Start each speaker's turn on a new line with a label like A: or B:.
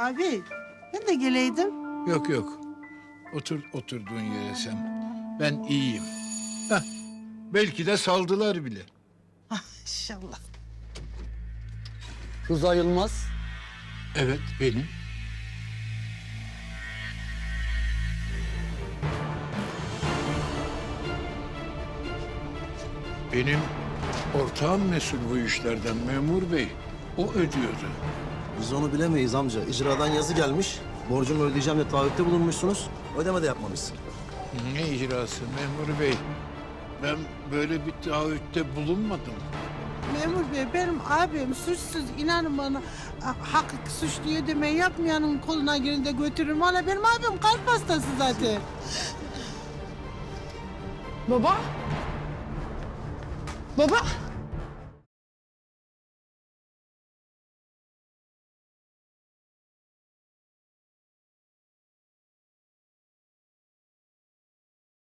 A: Abi ben de geleydim.
B: Yok yok. Otur oturduğun yere sen. Ben iyiyim. Heh, belki de saldılar bile.
A: İnşallah.
C: Rıza Yılmaz.
B: Evet benim. Benim ortağım mesul bu işlerden memur bey. O ödüyordu.
D: Biz onu bilemeyiz amca. İcradan yazı gelmiş. Borcumu ödeyeceğim de taahhütte bulunmuşsunuz. Ödeme de yapmamışsın.
B: Ne icrası memur bey? Ben böyle bir taahhütte bulunmadım.
A: Memur bey benim abim suçsuz inanın bana hak suçlu ödeme yapmayanın koluna girin de götürürüm. Valla benim abim kalp hastası zaten.
E: Baba? Baba?